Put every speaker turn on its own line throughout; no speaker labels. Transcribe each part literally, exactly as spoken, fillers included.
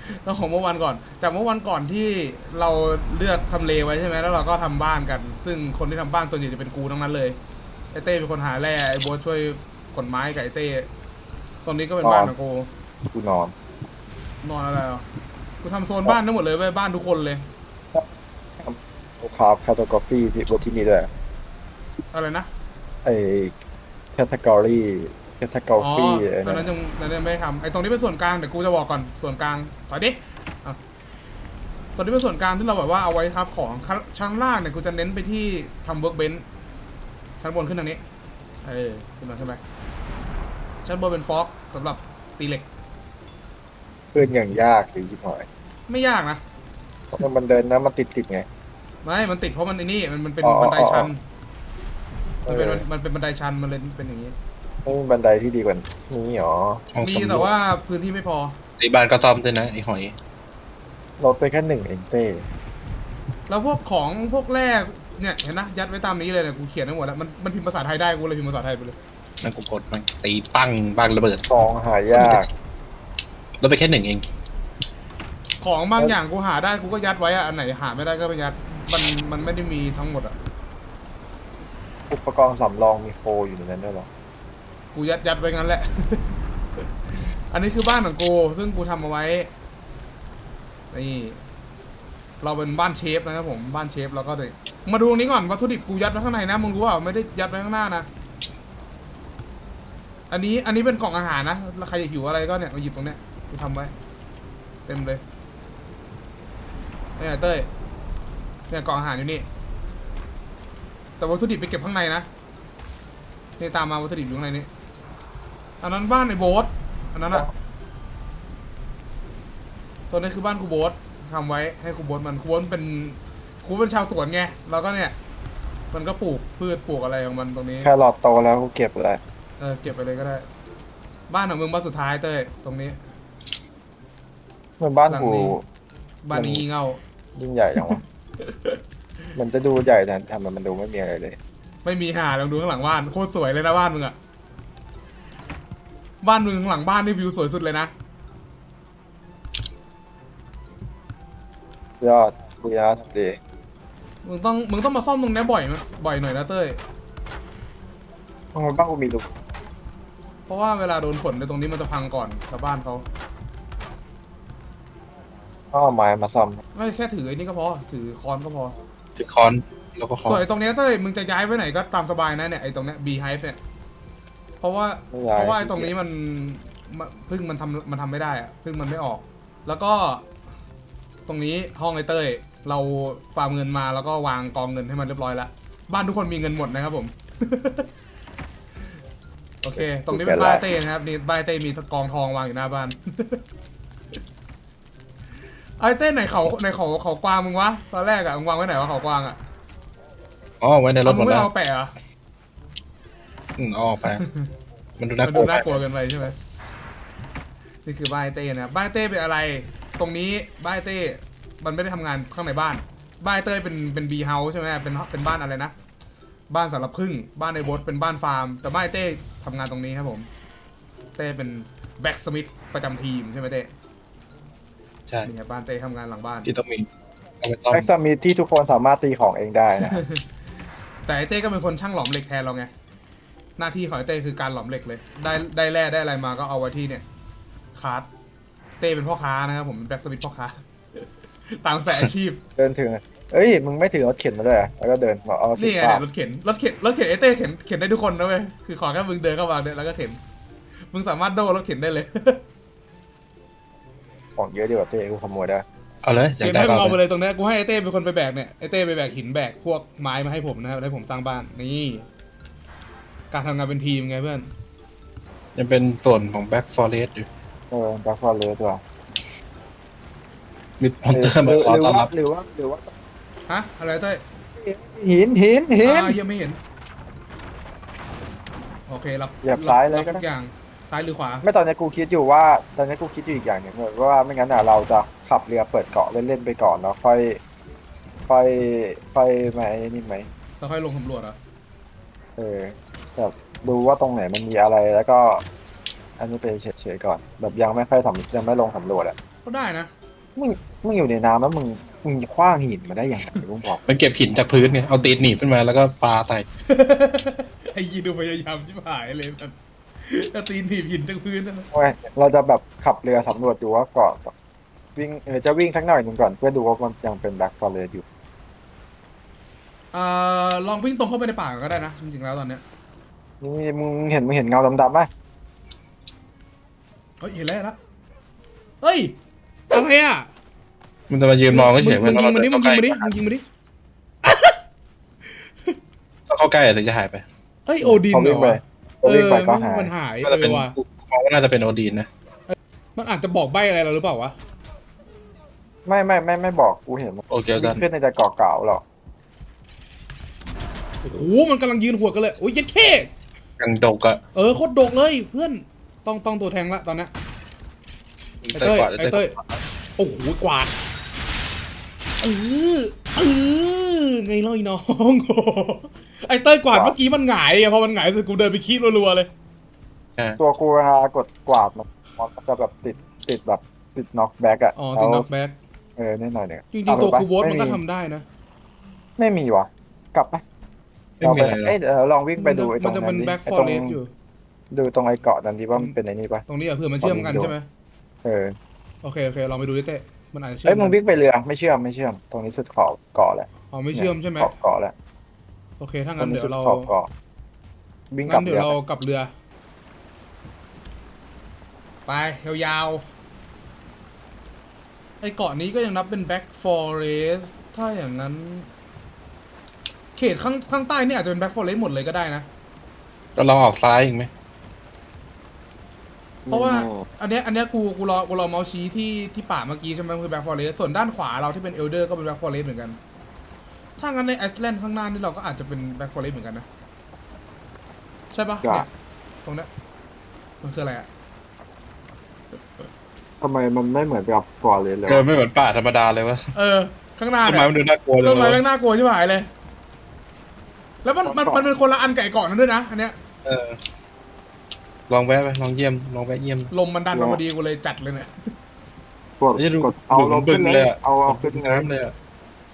แล้วของเมื่อวันก่อนจากเมื่อวันก่อนที่เราเลือกทำเลไว้ใช่ไหมแล้วเราก็ทำบ้านกันซึ่งคนที่ทำบ้านส่วนใหญ่จะเป็นกูทั้งนั้นเลยไอเต้เป็นคนหาแร่ไอโบ๊ทช่วยขนไม้กับไอเต้ตรงนี้ก็เป็นบ้านของกู
กูนอน
นอนอะไรอ่ะกูทำโซนบ้านทั้งหมดเลยเว้ยบ้านทุกคนเลย
คราฟแคตตากราฟีที่บนที่นี่ด้วย
อะไรนะ
ไอ้แคตตากรีแคตตากรา
อ๋อ
ฟีไอ้นั่นน่ะ
ตอนนั้นยังตอนนั้นยังไม่ได้ทำไอตรงนี้เป็นส่วนกลางเดี๋ยวกูจะบอกก่อนส่วนกลางถอยดิอ่ะตอนนี้เป็นส่วนกลางที่เราแบบว่าเอาไว้ครับของชั้นล่างเนี่ยกูจะเน้นไปที่ทำเวิร์กเบนช์ชั้นบนขึ้นทางนี้เออขึ้นมาใช่ไหมชั้นบนเป็นฟอกสำหรับตีเหล็ก
เพื่อนอย่างยากหรือยิ่งหน่อย
ไม่ยากนะ
เพราะมันเดินนะมันติดติดไง
ไม่มันติดเพราะมันไอ้นี่มันมันเป็น
อ๋อ
บันได
อ๋ออ๋อ
ชัน
เอ
มันเป็น
อ
มันเป็นบันไดชันมันเลยเป็นอย่างนี้
ไม่มีบันไดที่ดีกว่านี้หรอ
ของ
มี
สำรวจ
แต่ว่าพื้นที่ไม่พอ
ที่บ้านก็ซ่อมด้วยนะไอ้หอย
ลดไปแค่หนึ่งเองเต้
แล้วพวกของพวกแรกเนี่ยเห็นนะยัดไว้ตามนี้เลยเนี่ยกูเขียนทั้งหมดแล้วมันมันพิมพ์ภาษาไทยได้กูเลยพิมพ์ภาษาไทยไปเลย
นั่นกูกดมันตีปั้งบ้านระเบิด
ของหายาก
ลดไปแค่หนึ่งเอง
ของบางอย่างกูหาได้กูก็ยัดไว้อะอันไหนหาไม่ได้ก็ไปยัดมันมันไม่ได้มีทั้งหมดอะ
อุปกรณ์สำรองมีโฟอยู่ในนั้นด้วยหรอ
กูยัดยัดไว้งั้นแหละ อันนี้คือบ้านของกูซึ่งกูทำเอาไว้นี่เราเป็นบ้านเชฟนะครับผมบ้านเชฟเราก็เลยมาดูตรงนี้ก่อนวัตถุดิบกูยัดไว้ข้างในนะมึงรู้เปล่าไม่ได้ยัดไว้ข้างหน้านะอันนี้อันนี้เป็นกล่องอาหารนะแล้วใครอยากหิวอะไรก็เนี่ยมาหยิบตรงเนี้ยกูทำไว้เต็มเลยเนี่ยเต้ยเนี่ยกล่องอาหารอยู่นี่แต่วัตถุดิบไปเก็บข้างในนะนี่ตามมาวัตถุดิบอยู่ข้างในนี้อันนั้นบ้านในโบ๊ทอันนั้นอะตัวนี้คือบ้านครูโบ๊ททำไว้ให้ครูโบ๊ทมันครูโบ๊ทเป็นครูเป็นชาวสวนไงแล้วก็เนี่ยมันก็ปลูกพืชปลูกอะไรของมันตรงนี้
แค่หลอดโตแล้วกูเก็บเลย
เออเก็บไปเลยก็ได้บ้านของมึงบ้านสุดท้ายเต้ยตรงนี้
มันบ้านกู
หลังนี้บ้านนี้งี่เง่า
ยิ่งใหญ่จังวะ มันจะดูใหญ่แต่ทำไมมันดูไม่มีอะไรเลย
ไม่มีหาลองดูข้างหลังบ้านโคตรสวยเลยนะบ้านมึงอะบ้านมึงข้างหลังบ้านนี่วิวสวยสุดเลยนะ
ยอดบุญยอดดี
มึงต้องมึงต้องมาซ่อมตรงนี้บ่อยมั้ยบ่อยหน่อยนะเต้ย
ทำไมบ้านกูมีรู
เพราะว่าเวลาโดนฝนในตรงนี้มันจะพังก่อนชาวบ้านเขา
ต้องเอาไม้มาซ่อม
ไม่แค่ถือไอ้นี่ก็พอถือค้อนก็พอ
ถือคอนแล้วก็คอ
ส่วน
น
ไอ้ตรงเนี้ยเต้ยมึงจะย้ายไปไหนก็ตามสบายนะเนี่ยไอ้ตรงเนี้ยบีไฮฟ์เนี่ยเพราะว่าเพราะว่าไอ้ตรงนี้มันพึ่งมันทำมันทำไม่ได้อะพึ่งมันไม่ออก แล้วก็ตรงนี้ห้องไอ้เต้ยเราฝากเงินมาแล้วก็วางกองเงินให้มันเรียบร้อยแล้วบ้านทุกคนมีเงินหมดนะครับผม โอเคตรงนี้เป็นบ้านเต้นะครับนี่บ้านเต้มีกองทองวางอยู่หน้าบ้าน ไอ้เต้ไหนเขาไหนเขาเขากวางมึงวะตอนแรกอะมึงวางไว้ไหนวะเขากวางอะ
อ๋อไว้ในรถหมด
มึงไม่
แล้ว
เอาแปะเหรอ
อืมเอาออกไปมันดู
มั
น่ากลัวไป
นดูน่ากลัวเกินไปใช่ไหมนี่คือบ้านเต้นะบ้านเต้เป็นอะไรตรงนี้บ้านเต้มันไม่ได้ทำงานข้างในบ้านบ้านเต้เป็นเป็นบีเฮาส์ใช่ไหมเป็นเป็นบ้านอะไรนะบ้านสำหรับพึ่งบ้านในบดเป็นบ้านฟาร์มแต่บ้านเต้ทำงานตรงนี้ครับผมเต้เป็นแบ็กสมิธประจำทีมใช่ไหมเต้
ใช่
นี่ไงบ้านเต้ทำงานหลังบ้าน
ที่ต้องมีเอาไปต้อม
แม็กซ์มีที่ทุกคนสามารถตีของเองได้นะ
แต่ไอเต้ก็เป็นคนช่างหลอมเหล็กแทนเราไงหน้าที่ของไอเต้คือการหลอมเหล็กเลยได้ได้แร่ได้อะไรมาก็เอาไว้ที่เนี่ยคาร์ดเต้เป็นพ่อค้านะครับผมเป็นแบ็กสมิธพ่อค้า ตามสายอาชีพ
เดินถึงเอ้ยมึงไม่ถือรถเข็นมาด้วยอะแล้วก็เดินบอกเอาสิ
นี่ไง
ฟ้า
เนี่ยรถเข็นรถเข็นรถเข็นไอเต้เข็นเข็นได้ทุกคนนะเว้ยคือขอแค่มึงเดินเข้ามาเนี่ยแล้วก็เข็นมึงสามารถโดนรถเข็นได้เลย
ของเยอะดีกว่าเต้กูขโมยได้
เอาเลยอยา
เข็
ก
น
ได้
ให้มึงเอาไป
ก็เอาไป
เลยตรงนี้กูให้ไอเต้เป็นคนไปแบกเนี่ยไอเต้ไปแบกหินแบกพวกไม้มาให้ผมนะครับให้ผมสร้างบ้านนี่การทำงานเป็นทีมไงเพื่อน
ยังเป็นส่วนของแบ็กฟอเรสต์อยู่
เออแบ็คฟอร์เรสตัว
มีมอนเตอร์
ห
มา
รือ
รอ
หรือ
ต้อนรั
ว่า
บ
หรือว่าหรือว่า
ฮะอะไรเต้ย
หินหินหิน
อ่ายังไม่เห็นโอเครับ
เหยียบซ้ายเลยก็
ทุ
ได้
กอย่างซ้ายหรือขวา
ไม่ตอนนี้กูคิดอยู่ว่าตอนนี้กูคิดอยู่อีกอย่างหนึ่งเลยว่าไม่งั้นอ่ะเราจะขับเรือเปิดเกาะเล่นๆไปก่อนแล้วค่อยค่อยค่อยมาไอ้นี่ไหม
แล้วค่อยลงสำรวจเหรอ่ะ
เออแบบดูว่าตรงไหนมันมีอะไรแล้วก็อันนี้ไปเฉยๆก่อนแบบยังไม่ค่อยสำยังไม่ลงสำรวจอ่ะ
ก็ได้นะ
มึงมึงอยู่ในน้ำแล้วมึงมึงคว้างหินมาได้ยังไงมึงบอก
มันเก็บหินจากพื้นไงเอาตีนหนีบขึ้นมาแล้วก็ปาใส่
ไอ้ยีดูพยายามชิบหายเลยมันจะตีนถีบหินจากพื้นนั่นนะ
เว้ยเราจะแบบขับเรือสำรวจดูว่าเกาะวิ่งเออจะวิ่งสักหน่อยหนึ่งก่อนเพื่อดูว่ามันยังเป็นแบ็คฟอเรสอยู่
เอ่อลองวิ่งตรงเข้าไปในป่าก็ได้นะจริงๆแล้วตอนเนี้ย
นี่มึงเห็นมึงเห็นเงาดำๆไหม
เฮ้ยเห็นแล้วเห็นแล้วเฮ้ยอะไรอ่ะ
มันจะมายืนมองเฉยๆ
มึงยิงมันดิมึงยิงมันดิ
ต้
มึงยิงมันดิ
องเข้าใกล้ถึงจะหายไป
เฮ้ยโอดิน
พอ
เหร
วิ่ง
อ
ไป
วะ
พอวิ่งไปก็หาย
มันหาย
น่า
เอ
จะเป็น
อว่ะ
กูมองว่าน่าจะเป็นโอดีนนะ
มันอาจจะบอกใบอะไรเราหรือเปล่าวะ
ไม่ไม่ไม่ไม่บอกกูเห็นมัน
โอเค
วิ่
จั
ง
น
ขึ้นในแต่เกาะเก่าหรอก
โอ้โหมันกำลังยืนหัวกันเลยโอ้ยยัดเข้
ยังดกอะ
เออโคตรดกเลยเพื่อนต้องต้องตัวแทงละตอนเนี้ยไอ้
ใส่
เต้ย
กวาด
ไอ้เต้ยโอ้โหกวาดเออเออไงเล่าอีน้อง ไอ้เต้ยกวาดเมื่อกี้มันหงายอะพอมันหงายเสร็จกูเดินไปขี้รัวๆเลย
อ่า
ตัวกูเวลากดกวาดมันมันจะแบบติดติดแบบติดน็อกแบ็กอะ
อ๋อติดน็อกแบ็ก
เออนิดหน่อยเนี่ย
จริงๆตัวคูโบสมันก็ทำได้นะ
ไม่มีวะกลับไป
ไม่มีอะไรหรอก
เอ้ยเดี๋ยวลองวิ่งไปดูไอ้ตร
มัน
ง
จะ
นั้
เป็น
นดิ
แบ็ก
ไอ้
ฟอ
ตรง
เรสอยู่
ดูตรงไอ้เกาะนั้นดิว่ามันเป็นไอ้นี่ปะ
ตรงนี้อะเผื่อมันเชื่อมกันใช่ไหม
เออ
โอเคโอเคลองไปดูดิเต้มันอาจจะเชื่อ
เอ้ย
ม
มึง
กัน
วิ่งไปเรือไม่เชื่อมไม่เชื่อมตรงนี้สุดขอบเกาะแหละ
อ๋อไม่เชื่อมใช่ไหม
ขอบเกาะแหละ
โอเคถ้า
ตร
งั้
ง
น
นี้
เดี๋ย
สุ
ว
ด
เรา
ขอบเกาะวิ่งกลั
งั้
บ
นเดี๋ย
เรื
ว
อ
เรากลับเรือ ไปยาวๆไอเกาะนี้ก็ยังนับเป็นแบ็กฟอเรสถ้าอย่างนั้น เขตข้างข้างใต้เนี่ยอาจจะเป็นแบ็กฟอเรสหมดเลยก็ได้นะ
ก็ลองออกซ้ายอีกไหม
เพราะว่าอันเนี้ยอันเนี้ยกูกูรอกูรอเมาส์ชี้ที่ที่ป่าเมื่อกี้ใช่ไหมคือแบ็กฟอเรสส่วนด้านขวาเราที่เป็นเอลเดอร์ก็เป็นแบ็กฟอเรสเหมือนกัน ถ้างั้นในไอซ์แลนด์ข้างหน้านี่เราก็อาจจะเป็นแบ็กฟอเรสเหมือนกันนะ ใช่ปะเนี่ยตรงเนี้ยมันคืออะไรอะ
ทำไมมันไม่เหมือนกับฟอเรสเลย
เกินไม่เหมือนป่าธรรมดาเลยวะ
เออ ข้างหน้า
ต้น
เนี่
ไม้
ย
มันดูน่ากลัวจั
ต้
ง
น
เล
ไม้
ย
แม่งน่ากลัวใช่ไหมเลย แล้วมันมันมันเป็นคนละอันไก่เกาะนั้นด้วยนะอันเนี้ย
เออลองแวะไปลองเยี่ยมลองแวะเยี่ยม
ลมมันดันมาพอดีกูเลยจัดเลยเนี่ย
กด
เอ้ยดู
กดเอา
ดู
ลง
บึ
ขึ้
ง
น
เล
เลย ย
อะ
เอาเอา
บึ
ขึ้น
งน้ำเลยอะ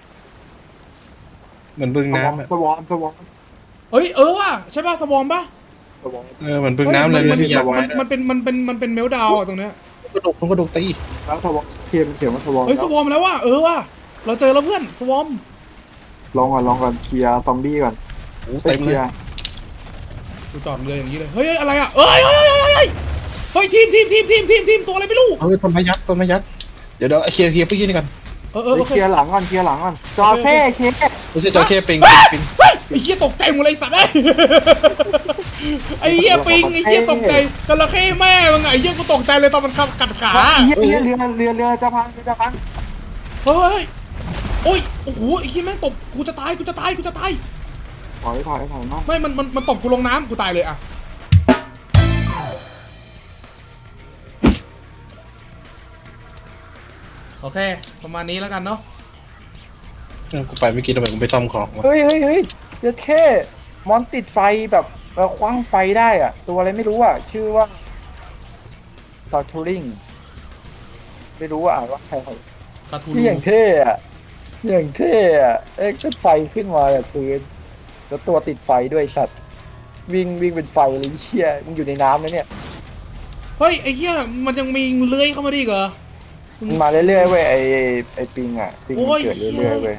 เหมือนบึง
น้ำ
น้ำอะ
สวอมสวอม
เอ้ยเออว่ะใช่ป่ะสวอมป่ะ
สวอม
เออเหมือนบึงน้ำเลย
มั
นะพี่อยาก
มั
ไว้
น
นะ
มันเป็นมันเป็นมันเป็นเมลดาวน์อะตรงเนี้ย
กระดูกมันกระดูกตี
แล้วสวอมเขียนเขียนว่าสวอม
เฮ้ยสวอมแล้วว่ะเออว่ะเราเจอแล้วเพื่อนสวอม
ลองก่อนลองก่อนเคลียร์ซอมบี้ก่อน
โอ้
ไป
เต็ม
เค
เล
ลี
ย
ยร์
กูจอดเรืออย่างนี้เลยเฮ้ยเฮ้ยอะไรอ่ะเอ้ยเฮ้ยเฮ้ยเฮ้ยเฮ้ยเฮ้ยทีมทีมทีมทีมทีมทีมตัวอะไรไม่รู้
เออต้นไม้ยักษ์ต้นไม้ยักษ์เดี๋ยวเดี๋ยวเคลียร์เคลียร์พวกยี่นี่กัน
เออเออ
ไป
โอเค
เคลียร์หลังก่อนเคลียร์หลังก่อนจอเท่เคส
ไม่ใช่จระเข้ปิงปิง
เฮ้ยไอ้เหี้ยตกใจหมดเลยสัตว์เอ้ยไอ้เหี้ยปิงไอ้เหี้ยตกใจจระเข้แม่มึงไงไอ้เหี้ยกูตกใจเลยตอนมันขับกัดขา
เฮียเรือเรือเรือเรือจะพังเรือจะพัง
เฮ้ยโอ้ยโอ้โหไอ้เหี้ยแม่งตบกูจะตายกูจะตายกูจะตาย
ถอยถอยถอยมา
ไม่มันมันมันตบกูลงน้ำกูตายเลยอะโอเคประมาณนี้แล้วกันเนาะ
เออกูไปไม่อกินทำไมกูไปซ่อมของวะ
เฮ้ยเฮ้ยเฮ้ยเรือเท่มอนติดไฟแบบเออคว้างไฟได้อ่ะ ตัวอะไรไม่รู้อ่ะ ชื่อว่าซาทูริงไม่รู้ว่าอ่านว่าใคร
กระทู
ที่อย่างเท่อะอย่างเท่อะเอ้ยก็ไฟขึ้นมาแบบปืนแล้วตัวติดไฟด้วยสัตว์วิ่งวิ่งเป็นไฟเลยเชี่ยมึงอยู่ในน้ำนะเนี่ย
เฮ้ยไอ้เหี้ยมันยังมีเลื้อยเข้ามาได้อีกเหรอ
มันมาเรื่อยๆเว้ยไอไอปิงอ่ะปิง
โอ้
มัน
ย
เกิดเรื่อยๆเว้ย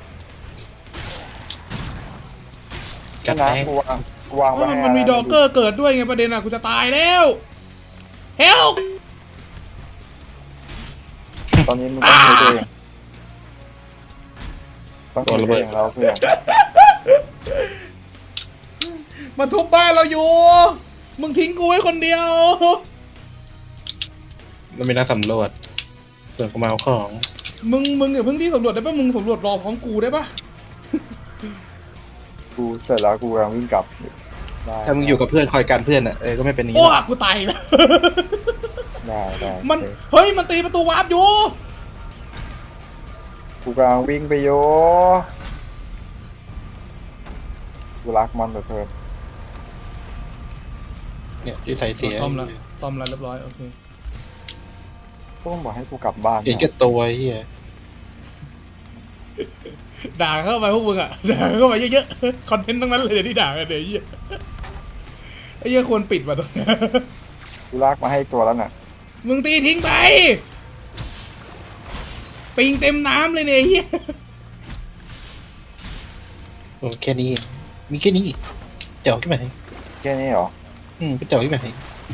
กัด
นะ
แม่ง
กูวางกูวางไว้
มัน
ให้
มันมีดอกเกอร์เกิดด้วยไงประเด็นอะกูจะตายแล้วเฮล
ตอนนี้มึงต้องใช้ตัวเองต้องใช้ตัวเองแล้วเพื่อน
มาทุบบ้านเราอยู่ มึงทิ้งกูไว้คนเดียว
มันมีนักสำรวจเปิดเข้ามาเอาของ
มึงมึงอย่าเพิ่งที่สำรวจได้ปะมึงสำรวจรอพร้อมกูได้ปะ
กูเสร็จแล้วกูกำลังวิ่งกลับได้
ถ้ามึงอยู่กับเพื่อนคอยกันเพื่อนอ่ะเออก็ไม่เป็นอย่าง
โอ้
นี้
กูตายแล้ว
ได้ได้
มัน
โอเค
เฮ้ยมันตีประตูวาร์ปอยู่
กูกำลังวิ่งไปโยกูรักมันเหลือเกิน
เนี่ยที่ใส่เสีย
ซ่อมแล้วซ่อมแล้วเรียบร้อยโอเค
ต้องบอกให้กูกลับบ้าน
เห็นแก่ตัวไอ้เฮีย
ด่าเข้าไปพวกมึงอ่ะด่าเข้าไปเยอะๆคอนเทนต์ทั้งนั้นเลยเดี๋ยวที่ด่ากันเดี๋ยวไอ้เหี้ยไอ้เหี้ยควรปิดว่ะตัวเนี้ย
กูลากมาให้ตัวแล้วน่ะ
มึงตีทิ้งไปปิงเต็มน้ำเลยเนี่ยไอ้เหี้ย
โอ้แค่นี้มีแค่นี้เจ๋วขึ้นมาให้
แค่นี้เหรอ
อืมก็เจ๋วขึ้นมาให้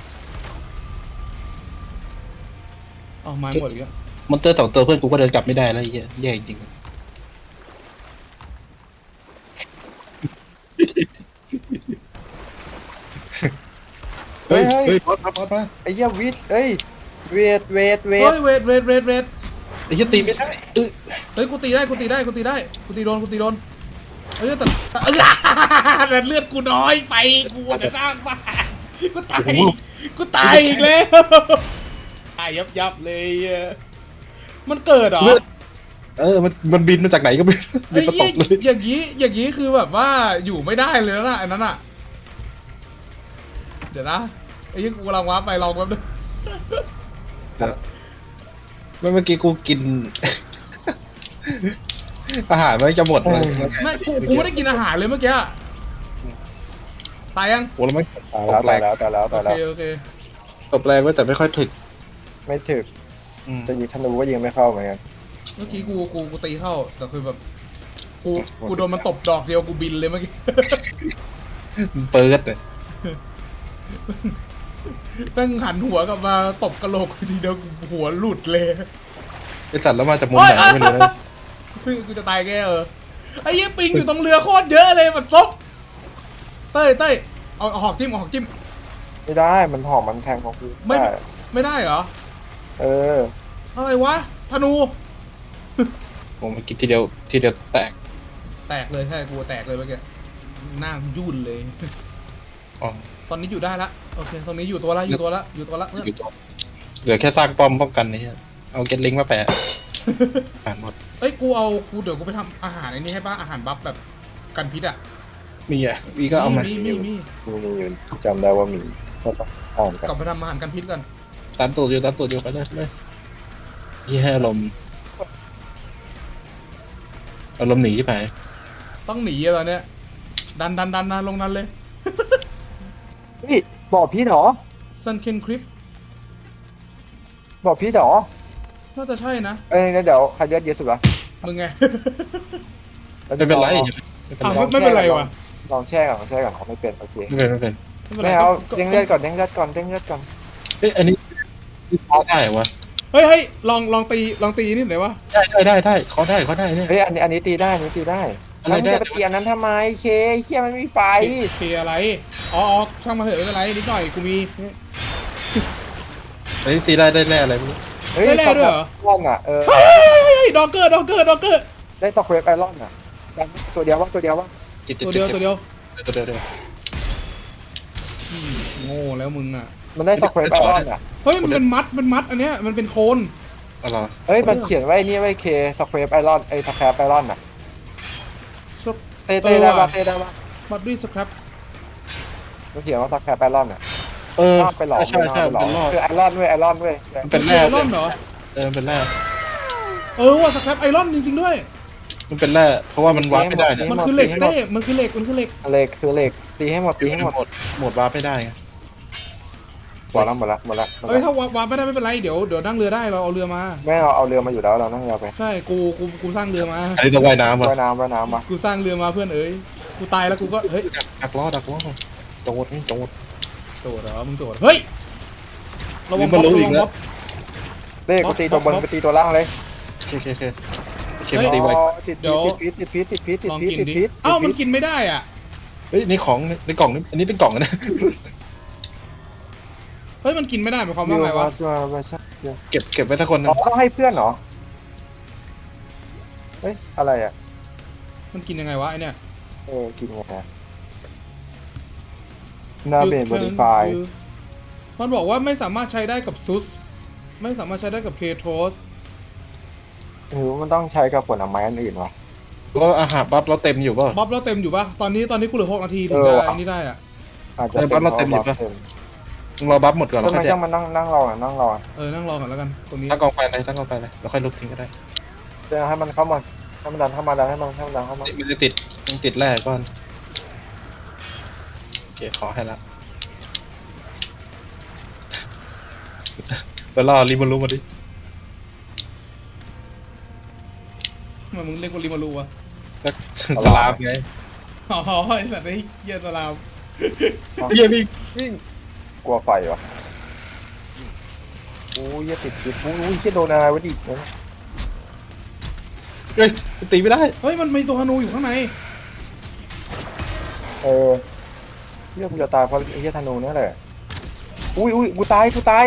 เอาไม้หมดอีกแล้ว
มอนเตอร์สองตัวเพื่อนกูก็เดินกลับไม่ได้แล้วไอ้เฮียแย่จริงๆเฮ้ยเฮ้ยพอดมาพอดมา
ไอ้เหี้ยวิทย์เอ้ยเวทเวทเว
เฮ้
ท
ยเวทเวทเวทเวท
ไอ้เฮียตีไม่ได้เออ
เฮ้ยกูตีได้กูตีได้กูตีได้กูตีโดนกูตีโดนเฮ้ยแต่เอ้ยแต่เลือดกูน้อยไปกูจะสร้างบ้านกูตายกูตายอีกแล้วตายยับยับเลยอ่ะมันเกิดเหรอ
เลือดเออมันมันบินมาจากไหนก็ไม่รู้บิ
ไอ้
นมาต
ยี่
กเลย
อย่างนี้อย่างนี้คือแบบว่าอยู่ไม่ได้เลยนะอันนั้นอ่ะเดี๋ยวนะไอ้ยี่กูกำลังว้าไปลองแป๊บนึง
เมื่อกี้กูกิน อาหารมันจะหมดเลย
ไม่กูกูไม่ได้กินอาหารเลยเมื่อกี้ตายยัง
โอ้แล้วไม่
ตายแล้วตายแล้วตายแล้ว
โอ
ตาย
เค
แล้ว
โอเค
ตบแรงไว้แต่ไม่ค่อยถึก
ไม่ถึก
อืม
จะยิงธนูก็ยิงไม่เข้าเหมือนกัน
เมื่อกี้กูกูกูตีเข้าแต่คือแบบกูกูโดนมันตบดอกเดียวกูบินเลยเมื่อกี้
มันเปิดเลย
แม่งหันหัวกลับมาตบกระโหลกกูทีเดียวหัวหลุดเลย
ไอสัตว์แล้วมาจากมุมไหนไม่รู้นะ
เพิ่งกูจะตายแกเออไอ้เหี้ยปิงอยู่ตรงเรือโคตรเยอะเลยมันซกเต้ยเต้ยเอาเอาหอกจิ้มเอาหอกจิ้ม
ไม่ได้มันหอมมันแทงของกู
ไม่
ได้
ไม่ได้เหรอ
เออ
อะไรวะธนู
ผมกินทีเดียวทีเดียวแตก
แตกเลยใช่กูแตกเลยเมื่อกี้หน้ายุ่นเลย
อ๋อ
ตอนนี้อยู่ได้ละโอเคตอนนี้อยู่ตัวละอยู่ตัวละอยู่ตัวละเพื่อน
อยู่ตัวเหลือแค่สร้างป้อมป้องกันนี่เอาเก็ตลิงก์มาแปะผ่านหมด
เอ้ยกูเอากูเดี๋ยวกูไปทำอาหารไอ้นี่ให้ป้าอาหารบัฟแบบกันพิษอ่ะ
มีอ่ะวีก็เอามา
มีมีมี
มีมีอยู่จำได้ว่ามีก็ต้องอ่านกัน
กลับไปทำอาหารกันพิษกัน
ตามตูดอยู่ตามตูดอยู่ไปเลยไปเลยยี่ให้อารมณ์อารมณ์หนีใช่ไหม
ต้องหนีอะตอนเนี้ยดันดันดันดันลงนั้นเลย
เฮ้ยบอกพี่เหรอ
ซันเคนคลิฟ
บอกพี่เหรอ
น่าจะใช่นะ
เอ้ยงั้นเดี๋ยวใครเลือดเยอะสุดวะ
มึงไง
แล้ว
ไม่เป็นไร
ลอง
ไม่เป็น
อ้าว
ไร
ไม่ไม่เป็นไรวะ
ลองแช่ก่อนลองแช่ก่อนเขาไม่เป็นโอเค
ไม่เป็นไม่เป็น
ไม่เป็นไร
ไม่เอา
ก็
เด้งเลือดก่อนเด้งเลือดก่อนเด้งเลือดก่อน
เฮ้ยอันนี้วิเคราะห์ได้เหรอวะ
เฮ้ยเฮ้ยลองลองตีลองตีนี่หน่อยวะ
ได้ได้ได้ได้เขาได้เขาได้เนี่ย
เฮ้ยอันนี้อันนี้ตีได้อันนี้ตีได้
อะไรได้
แล้วมึงจะไปตีอันนั้นทำไมเคเฮียมันไม่มีไฟ
ตีอะไรอ๋ออ๋อช่างมาเถอะไม่เป็นไรนิดหน่อยกูมี
อันนี้ตีได้ได้แร่อะไรไม่รู้
เฮ้ย
ได้แร่ด้วยเหรอ
ร่อนอ่ะเออ
เฮ้ยเฮ้ยเฮ้ยดอกเกอร์ดอกเกอร์ดอกเกอร์
ได้ตอกเวฟไอรอนอ่ะตัวเดียวว่าตัวเดียวว่า
จิบจิบ
ตัว
จิ
เดี
บ
ยวตัวเดียว
ตัวเดียวตัวเดียว
อืมโง่แล้วมึงอ่ะ
มันได้ตอกเวฟไอรอนอ่ะ
เฮ้ยมันเป็นมัดเป็นมัดอันเนี้ยมันเป็นโคน
อะไรอ
เฮ้ยมันเขียนไว้นี่ไว้เคสเควฟไอรอนไอสแครปไอรอนอ่ะ
ซับ
เต้เต้ได้ปะเต้ได้ปะ
มัดด้วยสครับ
มันเขียนว่าสแครปไอรอนอ่ะ
เออ
ชอบไปหลอก
ใช่ใช่
ไปหลอก
เป็นรอด
คือไอรอนเว้ยไอรอนเว้ย
มันเป็น
ไอ
แร่
รอนเหรอ
เออมันเป็นแร่
เออว่ะสครับไอรอนจริงๆด้วย
มันเป็นแร่เพราะว่ามันวาร์ปไม่ได้เนี่ย
มันคือเหล็กเต้มันคือเหล็กมันคือเหล็ก
เหล็กคือเหล็กตีให้หมดตีให้หมด
หมดหมดวาร์ปไม่ได้ไง
หมดละหมดละหมดละหมด
เอ้ย
ละ
ถ้าวาร์ปไม่ได้ไม่เป็นไรเดี๋ยวเดี๋ยวนั่งเรือได้เราเอาเรือมา
แม่เราเอาเรือมาอยู่แล้วเรานั่งเรือไป
ใช่กูกูกูสร้างเรือมา
อันนี้ต้องว่ายน้ำว่ะ
ว่ายน้ำว่ายน้ำมา
กูสร้างเรือมาเพื่อนเอ้ยกูตายแล้วกูก็เฮ้ย
ดักดักล้อดักล้อโจดนี่โจด
โจดเหรอมึงโจดเฮ้ยระวัง
นี่
บ๊
มั
อน บ
รู้
ระ
อี
วั
ก
ง
แล้ว
บ๊อบ
เต้กูตีตัวบนไปตีตัวล่างเลย
โอเคโอเคโอเคโอเคมันตีไว
อ๋อติดพิษติดพิษติดพิษติด
ลอง
พิษ
กิน
ติด
ดิ
พิษ
เอ้ามันกินไม่ได้อ่ะ
เฮ้ยในของในกล่องนี่อันนี้เป็นกล่องนะ
เฮ้ยมันกินไม่ได้หมายความ
อยู่
ว่าไงวะ
มาใช่
เก็บเก็บไว้สักคนหนึง
อ๋อต้องให้เพื่อนเหรอเฮ้ยอะไรอ่ะ
มันกินยังไงวะไอเนี่ย
เออกินไงนะนาเบนบอดี้ไฟ
มันบอกว่าไม่สามารถใช้ได้กับซุสไม่สามารถใช้ได้กับเคโทส
หรือมันต้องใช้กับผลไม้อันอื่นวะ
ก็อาหารบัฟเราเต็มอยู่ป่ะ
บ๊อบเราเต็มอยู่ปะตอนนี้ตอนนี้กูเหลือหกนาทีถึง
เอ
จะ
อว่ะ
ไอ้นี่ได้อ่ะ
อาจจะ
เออบ้านเราเต็มอยู่ปะ
เต็ม
มึงรอบัฟหมดก่อนแล้
ทำ
ว
ไม
ค่อยแจ
ต้อก งมานั่งนั่งรออ่ะนั่งรอ
เออนั่งรอก่อนแล้วกันตรงนี้
ตั้งกองไฟเลยตั้งกองไฟเลยแล้วค่อยลุกทิ้งก็ได้
จะให้มันเข้ามาให้มันดันเข้ามาดันให้มันให้มันดันเข้ามา
มันจะติดมันติดแร่ก่อนโอเคขอให้ละไปล่อริบอลลูมาดิ
ทำไมมึงเรียกว่าริมารูวะ
ก็สลามไง
อ๋อไอสัตว์ไอ้เหี้ยสลาม
เฮียวิ่งวิ่ง
กลัวไฟวะโอ้ยอย่าติดติดโอ้ยจะโดนอะไรวะดิ
เฮ้ยตีไม่ได้
เฮ้ยมันมีตัวธนูอยู่ข้างใน
เออเรื่องกูจะตายเพราะไอ้เหี้ยธนูนี่แหละอุ้ยอุ้ยกูตายกูตาย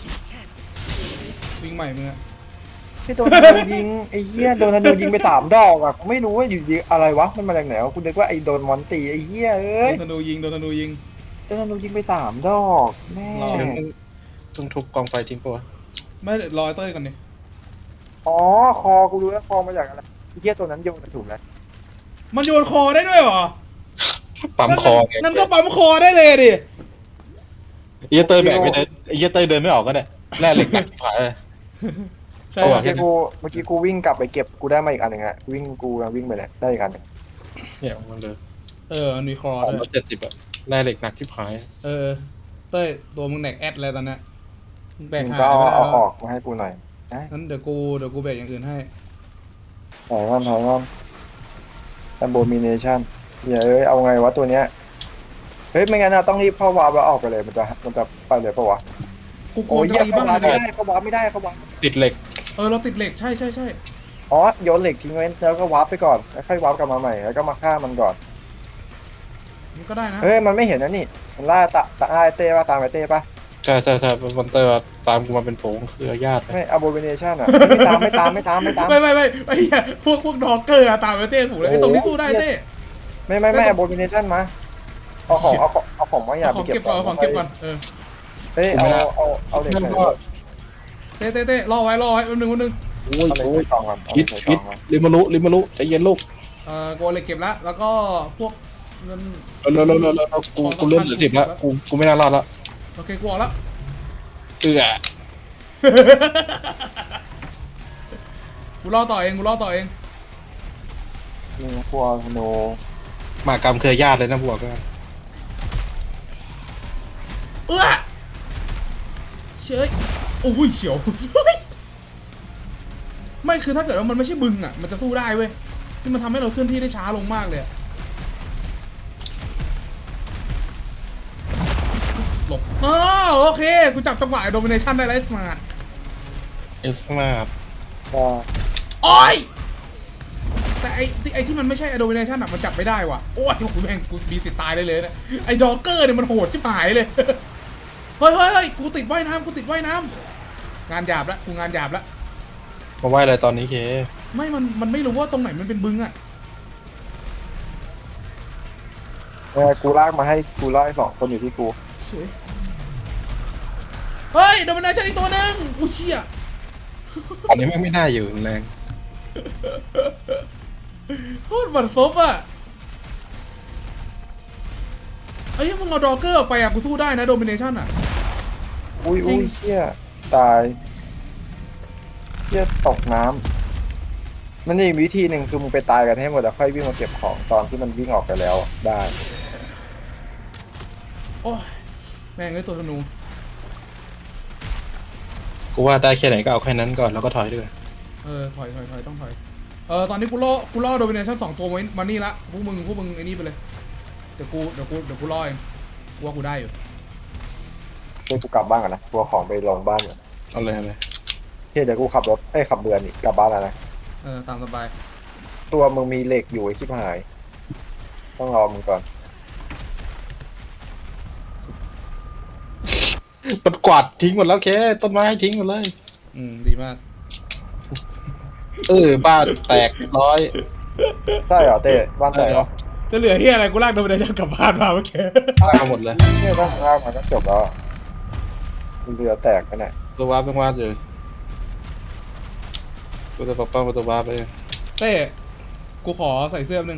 วิ่งใหม่มึงอะ
ที่โดนธนูยิงไอ้เหี้ยโดนธนูยิงไปสามดอกอ่ะกูไม่รู้ว่าอยู่ดีอะไรวะมันมาจากไหนวะกูนึกว่าไอ้โดนมอนตีไอ้เหี้ยเอ้
โด
ย
นธนูยิงโดนธนูยิง
โดนธนูยิงไปสามดอกแม่
รอ
เดี๋ยวมึงต้องทุบกองไฟทิ้งปะวะ
ไม่รอไอ้เต้ยก่อนดิ
อ๋อคอกูรู้แล้วคอมาจากอะไรไอ้เหี้ยตัวนั้นโยนถูกแล้ว
มันโยนคอได้ด้วยเหรอ
ปั๊มคอไง
นั่นก็ปั๊มคอได้เลยดิ
ไอ้เหี้ยเตยแบกไม่ได้ไอ้เหี้ยเตยเดินไม่ออกก็ได้แร่เหล็กหนักผายเลย
ใช่
เอา
เมื่
ว่ะ
อกี้กูเมื่อกี้กูวิ่งกลับไปเก็บกูได้มาอีกอันหนึ่งอะวิ่งกูวิ่งไปเนี่ยได้อีกอันหนึ่ง
เนี่ยมันเลย
เออมันมีคอ
สาม
ด้ว
ร้อย ยเจ็ดสิบอะแร่เหล็กหนักที่ผาย
เออเต้ยตัวมึงแหนกแอดเลยตอนเนี้ยมึงแบก
มึง
หา
ก็
ย
เอา
ไม่ได้
เอา
แล้ว
ออกมาให้กูหน่อยนะ
งั้นเดี๋ยวกูเดี๋ยวกูแบกอย่างอื่นให้
ถอยก่อนถอยก่อน abomination เดี๋ยวเอ้ยเอาไงวะตัวเนี้ยเฮ้ยไม่งั้นนะต้องรีบเข้าวาร์ปแล้วออกไปเลยมันจะมันจะไปเลยปะวะ
กูกลั
โอ้
วย จะ
เหี้ย
ตี
เข้า
บ้าน
วาร์ป
เลย
ไม่
เนี่ย
ได้เข้าวาร์ปไม่ได้เข้าวาร์ป
ติดเหล็ก
เออเราติดเหล็กใช่ใช่ใช่
อ๋อโยนเหล็กทิ้งไว้แล้วก็วาร์ปไปก่อนแล้วค่อยวาร์ปกลับมาใหม่แล้วก็มาฆ่ามันก่อน
มันก็ได้นะ
เฮ้ยมันไม่เห็นนะนี่มันล่าตะตะล่าไอ้เต้ป่ะตามไอ้เต้ป่ะ
ใช่ใช่ใช่มอนเตอร์ตามกูมาเป็นฝูงคือญาติ
ไม่ abomination อ่ะไม่ตามไม่ตามไม่ตามไม่ตาม
ไม่ไม่ไม่ไอ้เหี้ยพวกพวกดอกเกอร์อะตามไปเต้ถูกเลยไอ้ตรงนี้สู้ได้เต้
ไม่ไม่ไม่ abomination มาเอาของเอาของเอาของมาอย่า
เอา
ไป
ของ
เก็
เก็
บบ
ก่อนเอาของเก็บก่อนเออ
เฮ้ยเอาเอาเอาเหล็ก
นั่น
ใส่
ก็
เต้เต้เต้รอไว้รอไว้แป๊บนึงแป๊บนึง
โอ้ย
เอาเหล็ก
โอ้ย
ใส่กล่องก่อนเอาเห
คิ
ล็
ด
กใส่ก
คิ
ล่
ด
องก่อน
ริมารุริมารุใจเย็นลูก
เอ่อกูเอาเหล็กเก็บแล้วแล้วก็พวกเงิน
แล้วแล้วแล้วแล้วกูกูเริ่มเหลือสิบแล้วกูกูไม่น่ารอดแล้ว
โอเคกูออกแล้ว
เอื้อ
กูรอต่อเองกูรอต่อเอง
นี่พวกโน
หมากรรมเคยญาติเลยนะบวกก็
เอื้อเชยโอ้ยเฉียว ไม่คือถ้าเกิดว่ามันไม่ใช่บึงอ่ะมันจะสู้ได้เว้ยที่มันทำให้เราเคลื่อนที่ได้ช้าลงมากเลยอะหลบอ๋อโอเคกูจับจังหวะโดมิเนชันได้แล้วสมาร์ท
เอสมาร์
ก็
โอ้ยแต่ไอ้ที่ไอ้ที่มันไม่ใช่ Domination อะมันจับไม่ได้ว่ะโอ้ยกูแม่งกูมีสิทธิ์ตายได้เลยนะไอ้ดอกเกอร์เนี่ยมันโหดชิบหายเลย เฮ้ยเฮ้ยเฮ้ยกูติดว่ายน้ำกูติดว่ายน้ำงานหยาบละกูงานหยาบละ
มาไหวอะไรตอนนี้เค
ไม่มันมันไม่รู้ว่าตรงไหนมันเป็นบึงอะ
เออกูลากมาให้กูลากให้สองคนอยู่ที่กู
เฉยเฮ้ย Domination อีกตัวหนึ่งอุ้ยเชี่ย
ตอนนี้ไม่ไม่น่าอยู่แรง
โคตรบันซบอะไอ้ยังมึงเอาดอกเกอร์ออกไปอะกูสู้ได้นะ Domination อะ
อุ้ยอุ้ยเชี่ยตายเชี่ยตกน้ำมันมีวิธีหนึ่งคือมึงไปตายกันให้หมดแล้วค่อยวิ่งมาเก็บของตอนที่มันวิ่งออกไปแล้วได้
โอ้ยแม่งเลยตัวธนู
กูว่าได้แค่ไหนก็เอาแค่นั้นก่อนแล้วก็ถอยด้วย
เออถอยถอยถอยต้องถอยเออตอนนี้กูล่อกูล่อโดมิเนชั่นสองตัวมามานี่ละพวกมึงพวกมึงไอ้นี่ไปเลยเดี๋ยวกูเดี๋ยวกูเดี๋ยวกูล่อเองกูว่ากูได้อยู่
เดี๋ยวกูกลับบ้านก่อนนะตัวของไปลงบ้านก่อน
เอาเลยเอาเลย
เฮ้ยเดี๋ยวกูขับรถเอ้ยขับเรือนี่กลับบ้านแล้วนะ
เออตามสบาย
ตัวมึงมีเหล็กอยู่ไอ้ชิบหาย ต้องรอมึงก่อน
มันกวาดทิ้งหมดแล้วเคต้นไม้ทิ้งหมดเลย
อืมดีมาก
เออบ้านแตกร้อย
ใช่เหรอเต้บ้านแตกเหรอ
จะเหลือเฮียอะไรกูลากโดมิเนชั่นกลับบ้านมาเมื่อกี้
ตายมาหมดเลย
เนี่ยบ้านข้างมันก็จบแล้วอะเรือแตกกันเนี่ย
ตัววาร์ปต้องวาร์ปอยู่กูจะปกป้องตัววาร์ปไป
เต้กูขอใส่เสื้อแป๊บนึง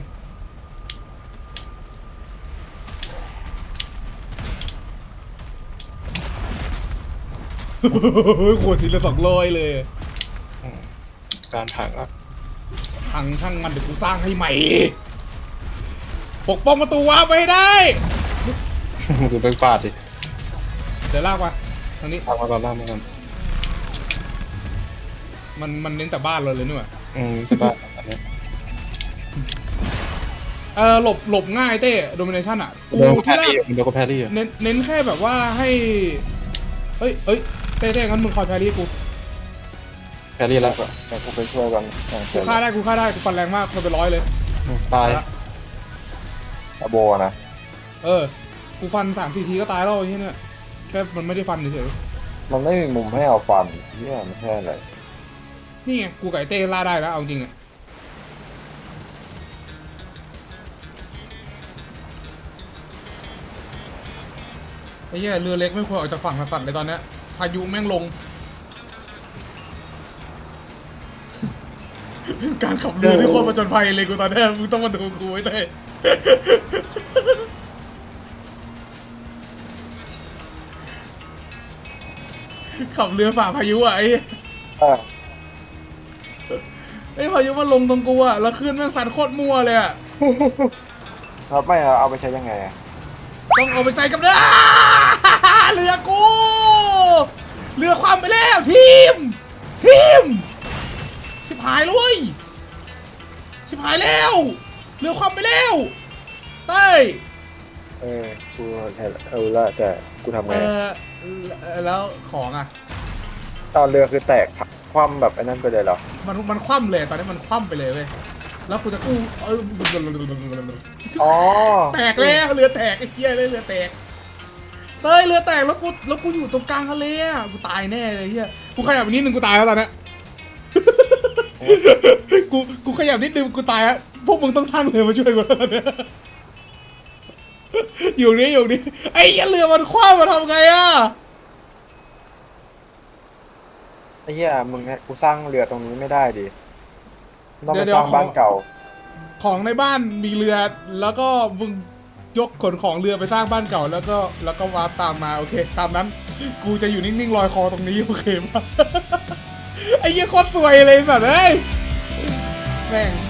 ขวดทีละสองร้อยเลย
การถังอ่ะ
ทางช่างมันเดี๋ยวกูสร้างให้ใหม่ ปกป้องประตูวาร์ปไว้ให้ได้
คือไปฟาดดิ
เดี๋ยวลากมาทางนี้
ทำมาก่อนล่างมาก่อน
มันมันเน้นแต่บ้านเราเลยนี่หว่า
อืมที่บ้านอันนี้
เออหลบหลบง่ายเต้โดมิเนชั่นอ่ะกู
เดี๋ยวก็แพ
ที่
ร
แร
รี่
ก
เดี๋ยวก็แพรรี่อ่ะ
เน้นเน้นแค่แบบว่าให้เอ้ยเอ้ยเต้เต้งั้นมึงคอยแพรรี่กู
แพรรี่แล้ว
แต่กูไปช่วยกันอย่างเช่
กู
น
ฆ่าได้กูฆ่าได้กูฟันแรงมากมันเป็นร้อยเลย
อืมตาย
อโบนะ
เออกูฟันสามสี่ทีก็ตายแล้วไอ้เหี้ยเนี่ยแค่มันไม่ได้ฟันเฉย
มันไม่มีมุมให้เอาฟันเนี่ยไม่ใช่อะไร
ๆนี่ไงกูไก่เต้ล่าได้แล้วเอาจริงเนี่ยไอ้เหี้ยเรือเล็กไม่ควรออกจากฝั่งสัตว์เลยตอนเนี้ยพายุแม่งลง การขับเรือที่โคตรประจนภัยเลยกูตอนเนี้ยมึงต้องมาดูกูไว้เต้ขับเรือฝ่าพายุอ่ะไอ้
อ่ะ
ไอ้พายุมันลงตรงกูอะแล้วขึ้นแม่งสันโคตรมั่วเลยอะ
ครับไม่เอาเอาไปใช้ยังไงอะ
ต้องเอาไปใส่กับเรือ เรือกู เรือความไปแล้วทีม ทีม ชิบหายเลย ชิบหายแล้ว เรือความไปแล้วเต้ย
เออกูใช่เออละแต่กูทำ
เอ
ไง
อแล้วของอะ
ตอนเรือคือแตกผักคว่ำแบบไอ้นั่นไปเลยเหรอ
มันมันคว่ำเลยตอนนี้มันคว่ำไปเลยเว้ยแล้วกูจะกู้เออ
อ๋อ
แตกแล้วเรือแตกไอ้เหี้ยเลยเรือแตกเต้ยเรือแตกแล้วกูแล้วกูอยู่ตรงกลางทะเลอ่ะกูตายแน่เลยเหี้ยกูขยับนิดนึงกูตายแล้วตอนเนี้ย กูกูขยับนิดนึงกูตายแล้วพวกมึงต้องสร้างเรือมาช่วยกูแล้วตอนเนี้ย อยู่นี่อยู่นี่ไอ้เหี้ยเรือมันคว้ามาทำไงอ่ะ
ไอ้เหี้ยมึงเนี่ยกูสร้างเรือตรงนี้ไม่ได้ดิต้องไปสร้างบ้านเก่า
ของในบ้านมีเรือแล้วก็มึงยกขนของเรือไปสร้างบ้านเก่าแล้วก็แล้วก็วาร์ปตามมาโอเคตามนั้น กูจะอยู่นิ่งๆลอยคอตรงนี้โอเคปะ ไอ้เหี้ยโคตรสวยเลยสัตว์เอ้ยแม่ง